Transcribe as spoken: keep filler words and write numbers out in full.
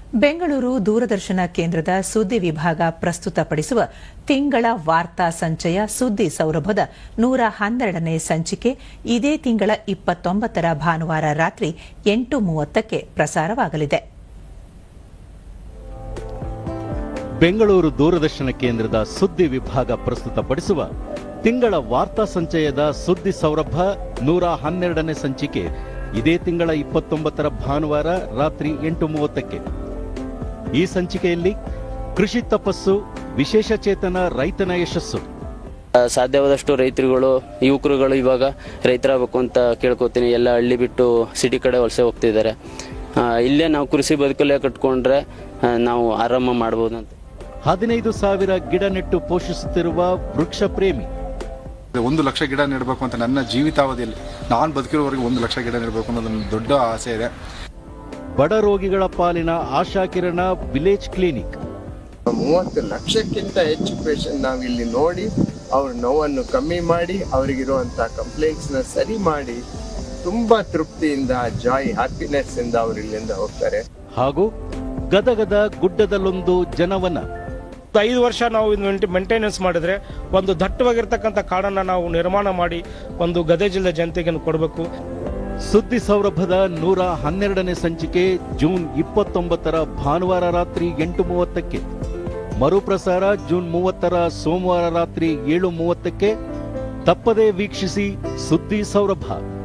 ಬೆಂಗಳೂರು ದೂರದರ್ಶನ ಕೇಂದ್ರದ ಸುದ್ದಿ ವಿಭಾಗ ಪ್ರಸ್ತುತಪಡಿಸುವ ತಿಂಗಳ ವಾರ್ತಾ ಸಂಚಯ ಸುದ್ದಿ ಸೌರಭದ ನೂರ ಹನ್ನೆರಡನೇ ಸಂಚಿಕೆ ಇದೇ ತಿಂಗಳ ಇಪ್ಪತ್ತೊಂಬತ್ತರ ಭಾನುವಾರ ರಾತ್ರಿ ಎಂಟು ಮೂವತ್ತಕ್ಕೆ ಪ್ರಸಾರವಾಗಲಿದೆ. ಬೆಂಗಳೂರು ದೂರದರ್ಶನ ಕೇಂದ್ರದ ಸುದ್ದಿ ವಿಭಾಗ ಪ್ರಸ್ತುತಪಡಿಸುವ ತಿಂಗಳ ವಾರ್ತಾ ಸಂಚಯದ ಸುದ್ದಿ ಸೌರಭ ನೂರ ಹನ್ನೆರಡನೇ ಸಂಚಿಕೆ ಇದೇ ತಿಂಗಳ ಇಪ್ಪತ್ತೊಂಬತ್ತರ ಭಾನುವಾರ ರಾತ್ರಿ ಎಂಟು ಮೂವತ್ತಕ್ಕೆ. ಈ ಸಂಚಿಕೆಯಲ್ಲಿ ಕೃಷಿ ತಪಸ್ಸು, ವಿಶೇಷ ಚೇತನ ರೈತನ ಯಶಸ್ಸು. ಸಾಧ್ಯವಾದಷ್ಟು ರೈತರುಗಳು ಯುವಕರುಗಳು ಇವಾಗ ರೈತರಾಗಬೇಕು ಅಂತ ಕೇಳ್ಕೊತೀನಿ. ಎಲ್ಲ ಹಳ್ಳಿ ಬಿಟ್ಟು ಸಿಟಿ ಕಡೆ ವಲಸೆ ಹೋಗ್ತಿದ್ದಾರೆ. ಇಲ್ಲೇ ನಾವು ಕೃಷಿ ಬದುಕಲ್ಲೇ ಕಟ್ಕೊಂಡ್ರೆ ನಾವು ಆರಾಮ ಮಾಡಬಹುದು ಅಂತ. ಹದಿನೈದು ಸಾವಿರ ಗಿಡ ನೆಟ್ಟು ಪೋಷಿಸುತ್ತಿರುವ ವೃಕ್ಷ ಪ್ರೇಮಿ. ಒಂದು ಲಕ್ಷ ಗಿಡ ನೆಡಬೇಕು ಅಂತ ನನ್ನ ಜೀವಿತಾವಧಿಯಲ್ಲಿ ನಾನು ಬದುಕಿರೋವರೆಗೆ ಒಂದು ಲಕ್ಷ ಗಿಡ ನೆಡಬೇಕು ಅನ್ನೋದು ದೊಡ್ಡ ಆಸೆ ಇದೆ. ಬಡ ರೋಗಿಗಳ ಪಾಲಿನ ಆಶಾ ಕಿರಣ ವಿಲೇಜ್ ಕ್ಲಿನಿಕ್. ಮೂವತ್ತು ಲಕ್ಷಕ್ಕಿಂತ ಹೆಚ್ಚು ಪೇಷಂಟ್ ನಾವು ಇಲ್ಲಿ ನೋಡಿ ಅವ್ರ ನೋವನ್ನು ಕಮ್ಮಿ ಮಾಡಿ ಅವರಿಗಿರುವಂತಹ ಕಂಪ್ಲೇಂಟ್ಸ್ ನ ಸರಿ ಮಾಡಿ ತುಂಬಾ ತೃಪ್ತಿಯಿಂದ ಜಾಯ್ ಹ್ಯಾಪಿನೆಸ್ ಇಂದ ಅವರು ಇಲ್ಲಿಂದ ಹೋಗ್ತಾರೆ. ಹಾಗೂ ಗದಗದ ಗುಡ್ಡದಲ್ಲೊಂದು ಜನವನ. ಐದು ವರ್ಷ ನಾವು ಮೇಂಟೆನೆನ್ಸ್ ಮಾಡಿದ್ರೆ ಒಂದು ದಟ್ಟವಾಗಿರ್ತಕ್ಕಂಥ ಕಾಡನ್ನ ನಾವು ನಿರ್ಮಾಣ ಮಾಡಿ ಒಂದು ಗದಗ ಜಿಲ್ಲೆ ಜನತೆಗೆ ಕೊಡಬೇಕು. ಸುದ್ದಿ ಸೌರಭದ ನೂರ ಹನ್ನೆರಡನೇ ಸಂಚಿಕೆ ಜೂನ್ ಇಪ್ಪತ್ತೊಂಬತ್ತರ ಭಾನುವಾರ ರಾತ್ರಿ ಎಂಟು ಮೂವತ್ತಕ್ಕೆ. ಮರುಪ್ರಸಾರ ಜೂನ್ ಮೂವತ್ತರ ಸೋಮವಾರ ರಾತ್ರಿ ಏಳು ಮೂವತ್ತಕ್ಕೆ. ತಪ್ಪದೇ ವೀಕ್ಷಿಸಿ ಸುದ್ದಿ ಸೌರಭ.